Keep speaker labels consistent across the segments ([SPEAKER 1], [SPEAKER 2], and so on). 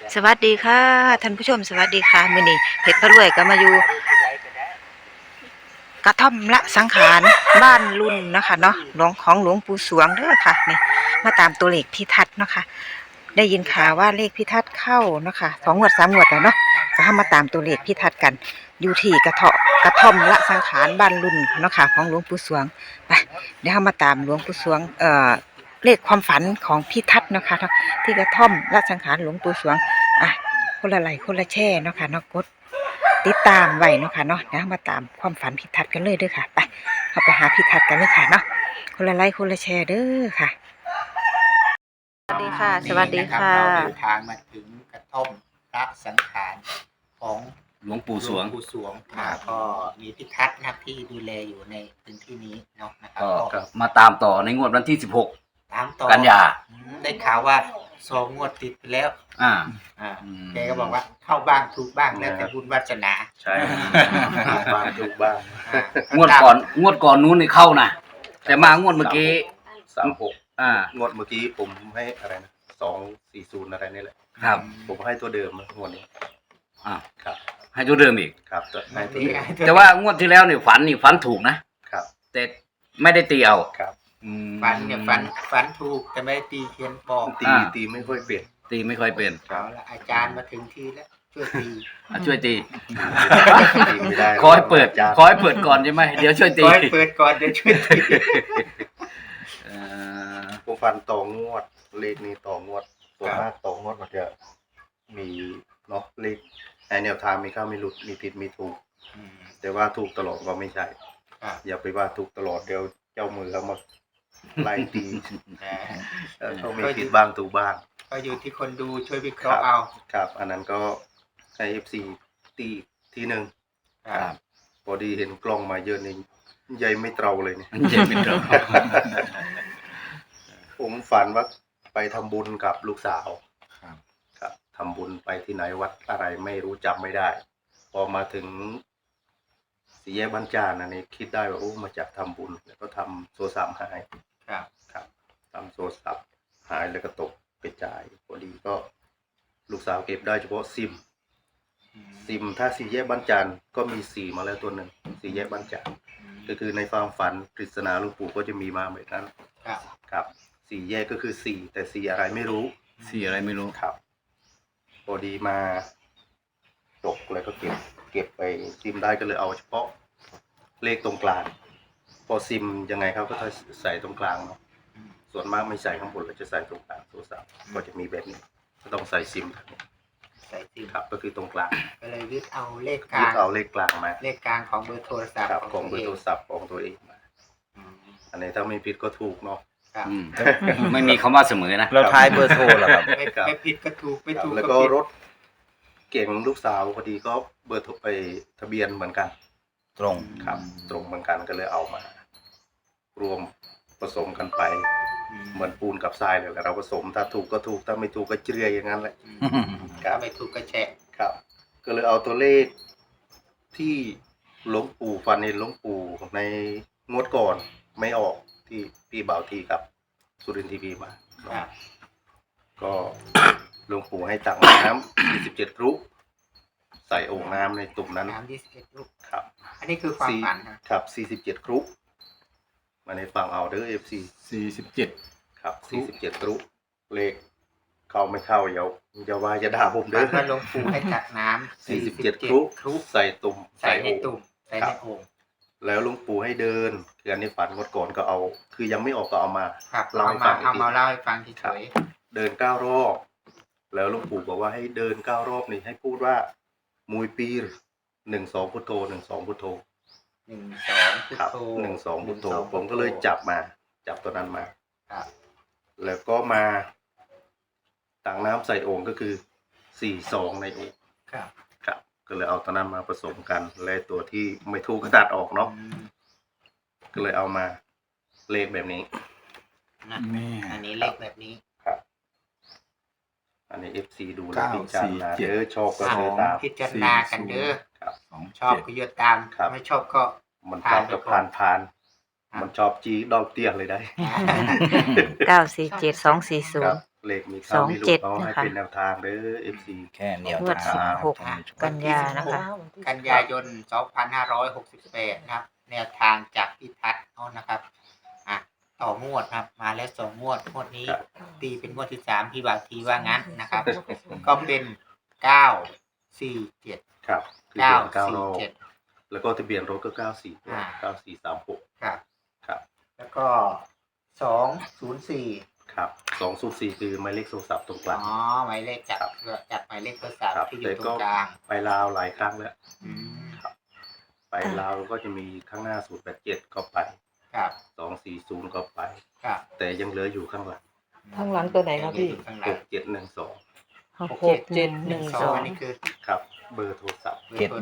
[SPEAKER 1] สวัสดีค่ะท่านผู้ชมสวัสดีค่ะมื้อนี้เพชรพระรวยก็มาอยู่กระท่อมละสังขารบ้านรุ่นนะคะเนาะหลวงปู่สวงเด้อค่ะนี่มาตามตัวเลขพิทัศน์เนาะค่ะได้ยินข่าวว่าเลขพิทัศน์เข้าเนาะค่ะ2 งวด 3 งวดแล้วเนาะก็มาตามตัวเลขพิทัศน์กันอยู่ที่กระท่อมละสังขารบ้านรุ่นเนาะค่ะของหลวงปู่สวงไปเดี๋ยวมาตามหลวงปู่สวงเลขความฝันของพิทัศน์เนาะค่ะที่กระท่อมละสังขารหลวงปู่สวงอ่ะคนละไลค์คนละแชร์เนาะค่ะเนาะกดติดตามไว้เนาะค่ะเนาะเดี๋ยวมาตามความฝันพิทัศน์กันเลยเด้อค่ะไปเราไปหาพิทัศน์กันเลยค่ะเนาะคนละไลค์คนละแชร์เด้อค่ะสวัสดีค่ะสวัสดีค่ะ
[SPEAKER 2] เราเดินทางมาถึงกระท่อมละสังขารของ
[SPEAKER 3] หลวงปู่สวง
[SPEAKER 2] ก็มีพิทักษ์นะครับที่ดูแลอยู่ในพื้นที่นี้เนาะนะครับ
[SPEAKER 3] ก็มาตามต่อในงวดวันที่16
[SPEAKER 2] ตามต่อ
[SPEAKER 3] กันยา
[SPEAKER 2] ได้ข่าวว่า2 งวดติดไปแล้วแกก็บอกว่าเข้าบ้างถูกบ้างแล้วแต่บุญวาสนา
[SPEAKER 3] ใช่
[SPEAKER 2] บ้างถูกบ้าง
[SPEAKER 3] งวดก่อนนู้นนี่เข้านะแต่มางวดเมื่อกี้
[SPEAKER 4] งวดเมื่อกี้ผมให้อะไรนะ240อะไรนี่แหละ
[SPEAKER 3] ครับ
[SPEAKER 4] ผมให้ตัวเดิมงวดนี้
[SPEAKER 3] ครับให้ตัวเดิมอีก
[SPEAKER 4] ครับให้ตัวเดิม
[SPEAKER 3] แต่ว่างวดที่แล้วนี่ฝันถูกนะครับแต่ไม่ได้ตีเอา
[SPEAKER 4] ครับ
[SPEAKER 2] ฝันเนี่ยฝันถูกแต่ไม่ได้ตีเขียนบอก
[SPEAKER 4] ตีไม่ค่อยเปลี่ยน
[SPEAKER 3] ตีไม่ค่อยเป็น
[SPEAKER 2] เอาละอาจารย์มาถึงทีแล้วช่วยตี
[SPEAKER 3] ไม่ได้ขอให้เปิดก่อนใช่ไหมเดี๋ยวช่วยตี
[SPEAKER 2] ขอให้เปิดก่อนเดี๋ยวช่วยตี
[SPEAKER 4] ผมฟันต่องวดเลขนี้ต่องวดตัวมากต่องวดมันจะมีเนาะเลขแนวทางมีเข้ามีหลุดมีผิดมีถูกแต่ว่าถูกตลอดก็ไม่ใช่อย่าไปว่าถูกตลอดเดี๋ยวเจ้ามือเขามาไล่ตีเขามีผิดบ้างถูกบ้าง
[SPEAKER 2] ก็อยู่ที่คนดูช่วยวิเคราะห์เอา
[SPEAKER 4] ครับอันนั้นก็ให้ FC ตีทีหนึ่งพอดีเห็นกล้องมาเยอะนี่ใหญ่ไม่เตราเลยเนี่ย
[SPEAKER 3] ใหญ่ไม่เตรา
[SPEAKER 4] ผมฝันว่าไปทำบุญกับลูกสาวครับทำบุญไปที่ไหนวัดอะไรไม่รู้จำไม่ได้พอมาถึงสี่แยกบ้านจานอันนี้คิดได้ว่าโอ้มาจากทำบุญแล้วก็ทำโทรศัพท์หายครับทำโทรศัพท์หายแล้วก็ตกกระจายพอดีก็ลูกสาวเก็บได้เฉพาะซิมถ้าสี่แยกบ้านจานก็มี4มาแล้วตัวหนึ่งสี่แยกบ้านจานก็คือในความฝันปริศนาหลวงปู่ก็จะมีมาแบบนั้นครับสี่แยกก็คือ4แต่4อะไรไม่รู้ครับพอดีมาตกแล้วก็เก็บไปซิมได้ก็เลยเอาเฉพาะเลขตรงกลางพอซิมยังไงเขาก็จะใส่ตรงกลางเนาะส่วนมากไม่ใส่ข้างบนเราจะใส่ตรงกลางโทรศัพท์ก็จะมีแบบนี้ก็ต้องใส่ซิมครับก็คือตรงกลาง
[SPEAKER 2] ก็เลยยึดเอาเลขก
[SPEAKER 4] ลางมา
[SPEAKER 2] เลขกลางของเบอร์โทรศัพท์
[SPEAKER 4] ของเบอร์โทรศัพท์ของตัวเองมาอันนี้ถ้าไม่ผิดก็ถูกเนาะ
[SPEAKER 3] ไม่มีคำว่าเสมอนะ
[SPEAKER 4] เราทายเบอร์โทรหรอครับ
[SPEAKER 2] ไม่ผิดก็ถูกไม่ถูก
[SPEAKER 4] แล้วก็รถเก่งลูกสาวพอดีก็เบอร์โทรไปทะเบียนเหมือนกัน
[SPEAKER 3] ตรง
[SPEAKER 4] ครับตรงเหมือนกันก็เลยเอามารวมผสมกันไปเหมือนปูนกับทรายเลยเราผสมถ้าถูกก็ถูกถ้าไม่ถูกก็เจืออย่างนั้นแหละ
[SPEAKER 2] ถ้าไม่ถูกก็แฉะ
[SPEAKER 4] ครับก็เลยเอาตัวเลขที่หลวงปู่ฟันในหลวงปู่ในงวดก่อนไม่ออกที่พี่บ่าวทีกับสุรินทร์ทีวีมาก็หลวงปู่ให้ตักน้ำ27 รุใส่โอ่งน้ำในตุ่มนั้น
[SPEAKER 2] น้ำ21 รุ
[SPEAKER 4] ครับ
[SPEAKER 2] อันนี้คือความฝัน
[SPEAKER 4] ครับ47 รุมาในฟังเอาเด้อ FC
[SPEAKER 3] 47
[SPEAKER 4] ครับ47 รุเลขเข้าไม่เข้าอย่าว่าจะด่าผมเด้อ
[SPEAKER 2] หลวงปู่ให้ตักน้ำ
[SPEAKER 4] 47 รุใส่ตุ่ม
[SPEAKER 2] ใส่ในตุ่มใส่ในโอ่ง
[SPEAKER 4] แล้วหลวงปู่ให้เดินคืออันนี้ฝันงวดก่อนก็เอาคือยังไม่ออกก็เอามา
[SPEAKER 2] เล่าให้ฟังเฉย
[SPEAKER 4] เดิน9 รอบแล้วหลวงปู่บอกว่าให้เดิน9 รอบนี่ให้พูดว่ามุยปี12 พุทโธ12 พุทโธ
[SPEAKER 2] 12 พุทโธ
[SPEAKER 4] 12 พุทโธผมก็เลยจับตัวนั้นมาแล้วก็มาตักน้ำใส่โอ่งก็คือ42ในโอ่งครับก็เลยเอาตัวนั้นมาผสมกันและตัวที่ไม่ถูกก็ตัดออกเนาะก็เลยเอามาเลขแบบนี้
[SPEAKER 2] อันนี้เลขแบบนี้
[SPEAKER 4] ครับอันนี้ FC ดูแลพิจารณาชอบก็เดินตาม
[SPEAKER 2] พิจารณากันเด้อชอบก็เยอะตามไม่ชอบก็
[SPEAKER 4] มันชอบก็ผ่านมันชอบจีดอกเตี้ยเลยได้
[SPEAKER 1] 947 240
[SPEAKER 4] เลขมีเข้ามีหลุด
[SPEAKER 1] 27
[SPEAKER 4] เขาให้
[SPEAKER 1] นะคะ
[SPEAKER 4] เป็นแนวทางเด้อ FC
[SPEAKER 5] แค่แนว
[SPEAKER 1] งวด
[SPEAKER 5] ทาง
[SPEAKER 1] 16 กันยานะคะ
[SPEAKER 2] กันยายน 2568 นะครับ แนวทางจากพิทัศน์เอานะครับต่องวดครับมาแล้ว2 งวดงวดนี้
[SPEAKER 4] ครับ
[SPEAKER 2] ตีเป็นงวดที่3พี่บ่าวทีว่างั้นนะครับ ก็เป็น 947
[SPEAKER 4] ครับคือเดือน9รอบ
[SPEAKER 2] 947
[SPEAKER 4] แล้วก็ทะเบียนรถก็9436
[SPEAKER 2] ครับ
[SPEAKER 4] ครับ
[SPEAKER 2] แล้วก็ 204
[SPEAKER 4] ครับ204คือหมายเลขโทรศัพท์ตรงก
[SPEAKER 2] อ๋
[SPEAKER 4] ลา
[SPEAKER 2] อง หมายเลขจากหมายเลขโทรศัพท์
[SPEAKER 4] ครับ
[SPEAKER 2] ที่อยู่
[SPEAKER 4] แต่
[SPEAKER 2] ตร
[SPEAKER 4] ก็
[SPEAKER 2] งกลาง
[SPEAKER 4] ไปลาวหลายครั้งแล้ว
[SPEAKER 2] อืม
[SPEAKER 4] ไปลาวก็จะมีข้างหน้า087ก็ไป
[SPEAKER 2] ครับ
[SPEAKER 4] 240ก็ไป
[SPEAKER 2] ครับ
[SPEAKER 4] แต่ยังเหลืออยู่ข้างหลัง
[SPEAKER 6] ข้างหลังตัวไหนครับพี่
[SPEAKER 2] ข้างหลัง
[SPEAKER 4] 6712
[SPEAKER 2] 6712อันนี้คือ
[SPEAKER 4] ครับเบอร์โทรศัพท์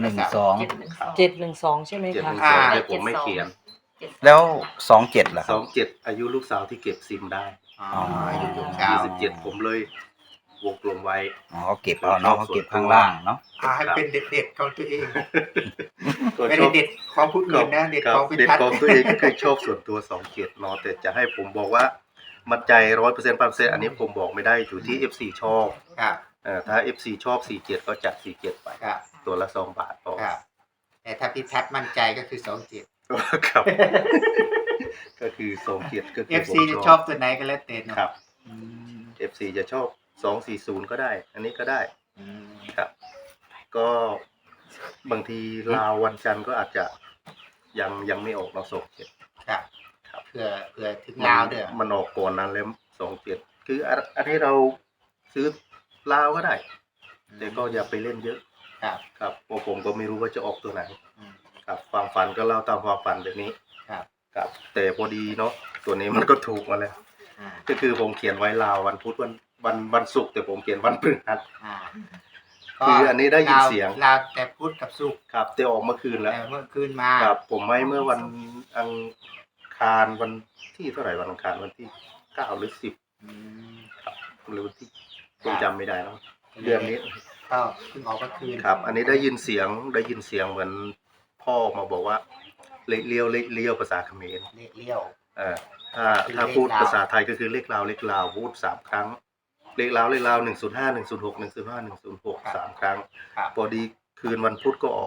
[SPEAKER 5] 712
[SPEAKER 6] 712 ใช่ไหมคะ
[SPEAKER 4] 712แต่ผมไม่เขียน
[SPEAKER 5] แล้ว27ล่ะครับ
[SPEAKER 4] 27อายุลูกสาวที่เก็บซิมได้
[SPEAKER 2] อ๋ออายุลูกสาว
[SPEAKER 4] 27ผมเลยวงกลมไว้
[SPEAKER 5] อ๋อเขาเก็บเอาเนาะเขาเก็บข้างล่างเนาะ
[SPEAKER 2] ให้เป็นเด็ดๆของตัวเอง
[SPEAKER 4] ก็
[SPEAKER 2] ไม่
[SPEAKER 4] ช
[SPEAKER 2] ได้
[SPEAKER 4] อบ
[SPEAKER 2] เด็ดของผู้อื่นนะเด็ด
[SPEAKER 4] ครั
[SPEAKER 2] ข
[SPEAKER 4] บ
[SPEAKER 2] องพิ
[SPEAKER 4] เด็ด
[SPEAKER 2] ทัศน์
[SPEAKER 4] ของตัวเองก็คือชอบส่วนตัว27เนาะแต่จะให้ผมบอกว่ามั่นใจ100%อันนี้ผมบอกไม่ได้อยู่ที่ FC ชอบ
[SPEAKER 2] ครับ
[SPEAKER 4] ถ้า FC ชอบ47ก็จัด47ไป
[SPEAKER 2] ครับ
[SPEAKER 4] ตัวละ2 บาทพอ
[SPEAKER 2] ครับ แต่ถ้าพิทัศน์มั่นใจก็คือ27
[SPEAKER 4] ครับ ก็คือ27ก็คือ
[SPEAKER 2] FC
[SPEAKER 4] ผม
[SPEAKER 2] จะชอบตัวไหนก็แล้วแต่เนาะ
[SPEAKER 4] ครับ
[SPEAKER 2] อืม
[SPEAKER 4] FC จะชอบ240ก็ได้ อันนี้ก็ได้
[SPEAKER 2] อืม
[SPEAKER 4] ครับ ก็บางทีลาววันจันทร์ก็อาจจะยังไม่ออกเราส่ง7
[SPEAKER 2] ครับ
[SPEAKER 4] ครับ
[SPEAKER 2] เผื่อถึงลาวเด้อ
[SPEAKER 4] มันออกก่อนนั้นแล้ว27คืออันนี้เราซื้อลาวก็ได้ แต่ก็อย่าไปเล่นเยอะ
[SPEAKER 2] ครับ
[SPEAKER 4] ครับเพราะผมก็ไม่รู้ว่าจะออกตัวไหน
[SPEAKER 2] อืม
[SPEAKER 4] ครับความฝันก็เล่าตามความฝันแบบนี้
[SPEAKER 2] ครับ
[SPEAKER 4] ครับ แต่พอดีเนาะตัวนี้มันก็ถูกมาแล้ว
[SPEAKER 2] อ่า
[SPEAKER 4] ก็คือผมเขียนไว้ลาววันพุธวันศุกร์แต่ผมเขียนวันพฤหัส
[SPEAKER 2] อ่า
[SPEAKER 4] คืออันนี้ได้ยินเสียง
[SPEAKER 2] ลาวแต่พุธกับศุกร์
[SPEAKER 4] ครับแต่ออกเมื่อคืนแล้ว
[SPEAKER 2] แต่เมื่อคืนมา
[SPEAKER 4] ครับผมให้เมื่อวันอังคารวันที่เท่าไหร่วันอังคารวันที่9หรือ10
[SPEAKER 2] อืม
[SPEAKER 4] ครับหรือวันที่ผมจำไม่ได้แล้วเดือนนี้
[SPEAKER 2] ก็เพิ่งออกเมื่อคืน
[SPEAKER 4] ครับ อันนี้ได้ยินเสียงเหมือนพ่อมาบอกว่าเลขเลี้ยวภาษาเขมร
[SPEAKER 2] เลขเลี้ยว
[SPEAKER 4] เออถ้าพูดภาษาไทยก็คือเลขลาวพูด3 ครั้งเลขลาว105 106 105 106 3 ครั้ง
[SPEAKER 2] ครับ
[SPEAKER 4] พอดีคืนวันพุธก็ออก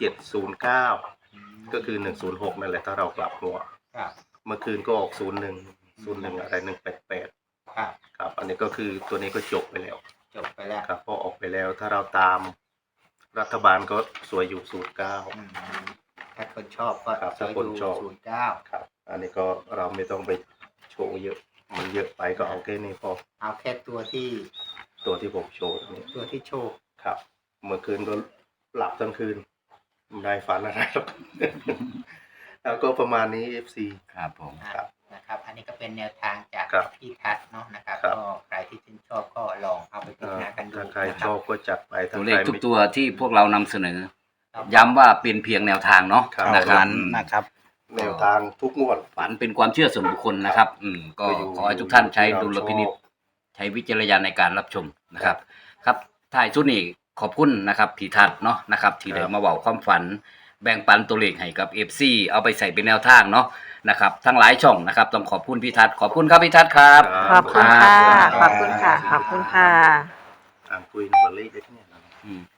[SPEAKER 4] 709ก็คือ106นั่นแหละถ้าเรากลับหัว
[SPEAKER 2] ครับ
[SPEAKER 4] เมื่อคืนก็ออก01อะไร188
[SPEAKER 2] ครับ
[SPEAKER 4] ครับ อันนี้ก็คือตัวนี้ก็จบไปแล้ว
[SPEAKER 2] จบไปแล้ว
[SPEAKER 4] ครับพอออกไปแล้วถ้าเราตามรัฐบาลก็สวยอยู่09
[SPEAKER 2] อืมถ้าคนชอบก็
[SPEAKER 4] ครับ
[SPEAKER 2] ช่วย
[SPEAKER 4] ถ้าคน
[SPEAKER 2] ดู
[SPEAKER 4] ชอบ
[SPEAKER 2] 09
[SPEAKER 4] ครับ อันนี้ก็เราไม่ต้องไปโชว์เยอะ มันเยอะไปก็เอาแค่นี้พอ
[SPEAKER 2] เอาแค่ตัวที่
[SPEAKER 4] ตัวที่ผมโชว์ตรงนี้
[SPEAKER 2] ตัวที่โชว์
[SPEAKER 4] ครับ เมื่อคืนก็หลับทั้งคืนไม่ได้ฝันอะไรหรอก แล้วก็ประมาณนี้ FC
[SPEAKER 5] ครับผม
[SPEAKER 4] ครับ
[SPEAKER 2] นะครับ อันนี้ก็เป็นแนวทางจาก
[SPEAKER 4] ครับ
[SPEAKER 2] พี่ทัศน์เนาะนะครับ
[SPEAKER 4] ครับ
[SPEAKER 2] ก็ใครที่ชื่นชอบก็ลองเอาไปพิจารณากันดู
[SPEAKER 4] ถ้าใคร
[SPEAKER 2] นะ
[SPEAKER 4] ชอบก็จัดไปถ้า
[SPEAKER 3] ตัว
[SPEAKER 4] ใค
[SPEAKER 3] เล
[SPEAKER 4] ร
[SPEAKER 3] ขทุก
[SPEAKER 4] ไม่
[SPEAKER 3] ตัวที่พวกเรานำเสนอ
[SPEAKER 2] ครับ
[SPEAKER 3] ย้ำว่าเป็นเพียงแนวทางเนาะ
[SPEAKER 4] ครับ
[SPEAKER 3] นะครับ
[SPEAKER 5] นั้นนะครับ
[SPEAKER 4] แนวทางทุกงวด
[SPEAKER 3] ฝันเป็นความเชื่อส่วนบุคคลนะครับ ก็
[SPEAKER 4] ก็อยู่
[SPEAKER 3] ขอให้ทุกท่านใช้
[SPEAKER 4] ที่เรา
[SPEAKER 3] ดุลพินิจ
[SPEAKER 4] ชอบ
[SPEAKER 3] ใช้วิจารณญาณในการรับชมนะครับ ครับท้ายสุดนี้ขอบคุณนะครับพี่ทัศน์เนาะนะครับ ที่ได้มาเว้าความฝัน แบ่งปันตัวเลขให้กับ FC เอาไปใส่เป็นแนวทางเนาะนะครับ ทั้งหลายช่องนะครับ ต้องขอบคุณพี่ทัศน์ขอบคุณครับพี่ทัศน์ครับ
[SPEAKER 1] ขอบคุณค่ะ
[SPEAKER 3] ครับ
[SPEAKER 1] ขอบคุณค่ะ ขอบคุณค่ะ
[SPEAKER 4] อ่านคุยกับเลขได้ที่เนี่ย
[SPEAKER 3] อืม